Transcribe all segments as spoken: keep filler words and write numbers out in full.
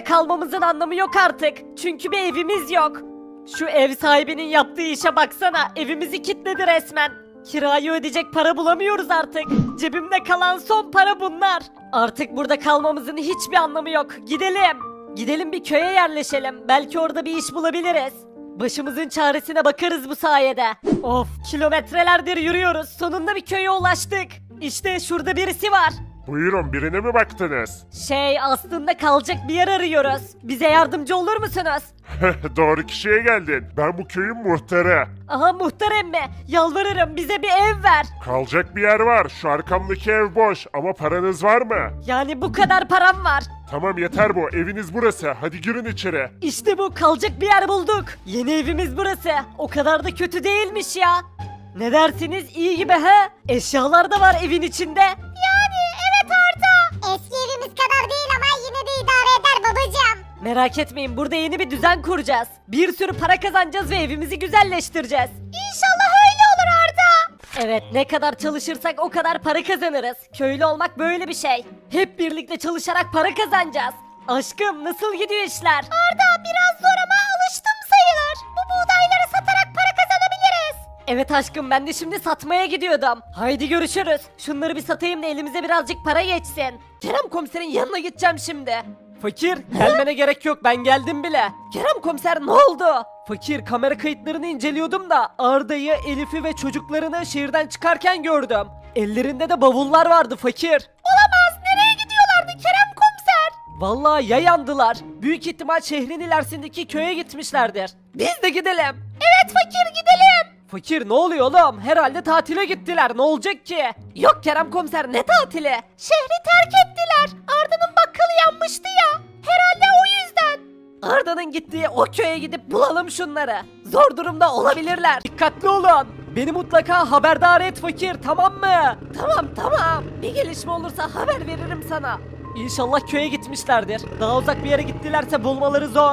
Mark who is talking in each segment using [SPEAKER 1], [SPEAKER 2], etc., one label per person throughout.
[SPEAKER 1] kalmamızın anlamı yok artık. Çünkü bir evimiz yok. Şu ev sahibinin yaptığı işe baksana. Evimizi kilitledi resmen. Kirayı ödeyecek para bulamıyoruz artık. Cebimde kalan son para bunlar. Artık burada kalmamızın hiçbir anlamı yok. Gidelim. Gidelim bir köye yerleşelim. Belki orada bir iş bulabiliriz. Başımızın çaresine bakarız bu sayede. Of, kilometrelerdir yürüyoruz. Sonunda bir köye ulaştık. İşte şurada birisi var.
[SPEAKER 2] Buyurun, birine mi baktınız?
[SPEAKER 1] Şey, aslında kalacak bir yer arıyoruz. Bize yardımcı olur musunuz?
[SPEAKER 2] Doğru kişiye geldin. Ben bu köyün muhtarı.
[SPEAKER 1] Aha, muhtar emmi. Yalvarırım, bize bir ev ver.
[SPEAKER 2] Kalacak bir yer var. Şu arkamdaki ev boş ama paranız var mı?
[SPEAKER 1] Yani bu kadar param var.
[SPEAKER 2] Tamam, yeter bu. Eviniz burası. Hadi girin içeri.
[SPEAKER 1] İşte bu, kalacak bir yer bulduk. Yeni evimiz burası. O kadar da kötü değilmiş ya. Ne dersiniz, iyi gibi he? Eşyalar da var evin içinde.
[SPEAKER 3] Yani evet Arda. Eski evimiz kadar değil ama yine de idare eder babacığım.
[SPEAKER 1] Merak etmeyin, burada yeni bir düzen kuracağız. Bir sürü para kazanacağız ve evimizi güzelleştireceğiz.
[SPEAKER 3] İnşallah öyle olur Arda.
[SPEAKER 1] Evet, ne kadar çalışırsak o kadar para kazanırız. Köylü olmak böyle bir şey. Hep birlikte çalışarak para kazanacağız. Aşkım, nasıl gidiyor işler?
[SPEAKER 3] Arda biraz zor ama alıştım sayılır. Bu buğdayları satarak para kazanabiliriz.
[SPEAKER 1] Evet aşkım, ben de şimdi satmaya gidiyordum. Haydi görüşürüz. Şunları bir satayım da elimize birazcık para geçsin. Kerem komiserin yanına gideceğim şimdi. Fakir, gelmene gerek yok, ben geldim bile. Kerem komiser, ne oldu? Fakir, kamera kayıtlarını inceliyordum da Arda'yı, Elif'i ve çocuklarını şehirden çıkarken gördüm. Ellerinde de bavullar vardı fakir.
[SPEAKER 3] Olamaz, nereye gidiyorlardı Kerem komiser?
[SPEAKER 1] Vallahi ya yandılar. Büyük ihtimal şehrin ilerisindeki köye gitmişlerdir. Biz de gidelim.
[SPEAKER 3] Evet fakir, gidelim.
[SPEAKER 1] Fakir, ne oluyor oğlum? Herhalde tatile gittiler. Ne olacak ki? Yok Kerem komiser, ne tatili?
[SPEAKER 3] Şehri terk ettiler. Arda'nın bakkalı yanmıştı ya. Herhalde o yüzden.
[SPEAKER 1] Arda'nın gittiği o köye gidip bulalım şunları. Zor durumda olabilirler. Dikkatli olun. Beni mutlaka haberdar et fakir, tamam mı? Tamam tamam. Bir gelişme olursa haber veririm sana. İnşallah köye gitmişlerdir. Daha uzak bir yere gittilerse bulmaları zor.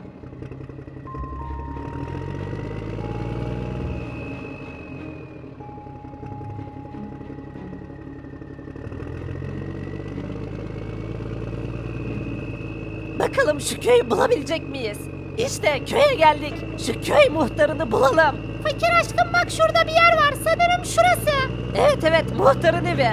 [SPEAKER 1] Bakalım şu köyü bulabilecek miyiz? İşte köye geldik. Şu köy muhtarını bulalım.
[SPEAKER 3] Fakir aşkım bak, şurada bir yer var. Sanırım şurası.
[SPEAKER 1] Evet evet, muhtarın evi.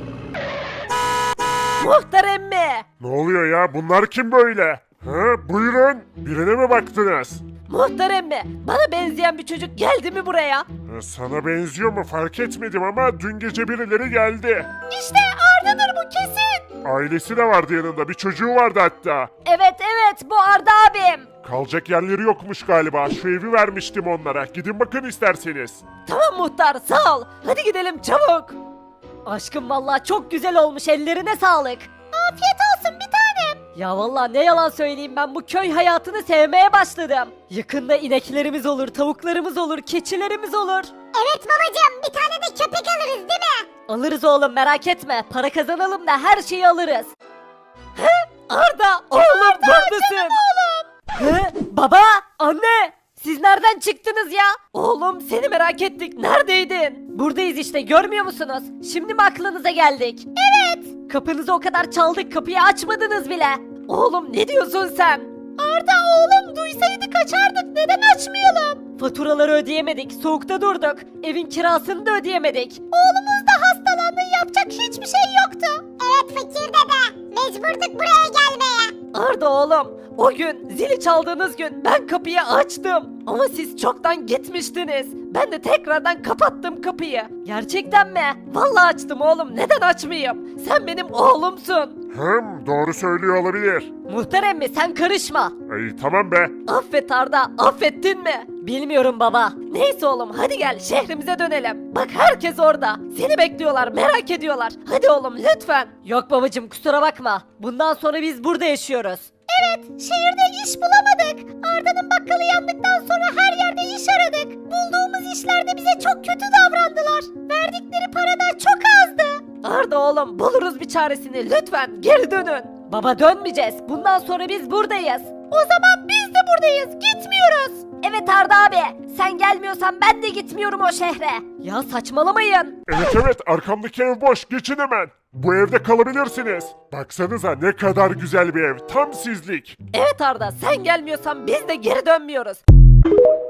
[SPEAKER 1] Muhtar emmi.
[SPEAKER 2] Ne oluyor ya? Bunlar kim böyle? Ha, buyurun. Birine mi baktınız?
[SPEAKER 1] Muhtar emmi, bana benzeyen bir çocuk geldi mi buraya?
[SPEAKER 2] Ha, sana benziyor mu fark etmedim ama dün gece birileri geldi.
[SPEAKER 3] İşte Arda'dır bu kesin.
[SPEAKER 2] Ailesi de vardı yanında. Bir çocuğu vardı hatta.
[SPEAKER 1] Evet evet, bu Arda abim.
[SPEAKER 2] Kalacak yerleri yokmuş galiba. Şu evi vermiştim onlara. Gidin bakın isterseniz.
[SPEAKER 1] Tamam muhtar, sağ ol. Hadi gidelim çabuk. Aşkım, vallahi çok güzel olmuş, ellerine sağlık.
[SPEAKER 3] Afiyet olsun bir tanem.
[SPEAKER 1] Ya vallahi ne yalan söyleyeyim, ben bu köy hayatını sevmeye başladım. Yakında ineklerimiz olur, tavuklarımız olur, keçilerimiz olur.
[SPEAKER 3] Evet babacığım, bir tane de köpek alırız değil mi?
[SPEAKER 1] Alırız oğlum, merak etme. Para kazanalım da her şeyi alırız. He? Arda, oğlum buradasın.
[SPEAKER 3] Oğlum.
[SPEAKER 1] He? Baba, anne. Siz nereden çıktınız ya? Oğlum, seni merak ettik. Neredeydin? Buradayız işte, görmüyor musunuz? Şimdi mi aklınıza geldik?
[SPEAKER 3] Evet.
[SPEAKER 1] Kapınızı o kadar çaldık, kapıyı açmadınız bile. Oğlum, ne diyorsun sen?
[SPEAKER 3] Arda oğlum, duysaydı kaçardık. Neden açmayalım?
[SPEAKER 1] Faturaları ödeyemedik, soğukta durduk. Evin kirasını da ödeyemedik.
[SPEAKER 3] Oğlumuz da hastalandı. Yapacak hiçbir şey yoktu. Evet fakir dede. Mecburduk buraya gelmeye.
[SPEAKER 1] Arda oğlum, o gün zili çaldığınız gün ben kapıyı açtım. Ama siz çoktan gitmiştiniz. Ben de tekrardan kapattım kapıyı. Gerçekten mi? Vallahi açtım oğlum, neden açmayayım? Sen benim oğlumsun.
[SPEAKER 2] Hım, doğru söylüyor olabilir.
[SPEAKER 1] Muhtar emmi, sen karışma.
[SPEAKER 2] Ay tamam be.
[SPEAKER 1] Affet Arda, affettin mi? Bilmiyorum baba. Neyse oğlum, hadi gel şehrimize dönelim. Bak herkes orada. Seni bekliyorlar, merak ediyorlar. Hadi oğlum lütfen. Yok babacım, kusura bakma. Bundan sonra biz burada yaşıyoruz.
[SPEAKER 3] Evet, şehirde iş bulamadık. Arda'nın bakkalı yandıktan sonra her yerde iş aradık. Bulduğumuz işlerde bize çok kötü davrandılar. Verdikleri para da çok azdı.
[SPEAKER 1] Arda oğlum, buluruz bir çaresini, lütfen geri dönün. Baba, dönmeyeceğiz. Bundan sonra biz buradayız.
[SPEAKER 3] O zaman biz de buradayız, gitmiyoruz.
[SPEAKER 1] Evet Arda abi, sen gelmiyorsan ben de gitmiyorum o şehre. Ya saçmalamayın.
[SPEAKER 2] Evet evet, arkamdaki ev boş. Geçin hemen. Bu evde kalabilirsiniz. Baksanıza ne kadar güzel bir ev. Tam sizlik.
[SPEAKER 1] Evet Arda, sen gelmiyorsan biz de geri dönmüyoruz.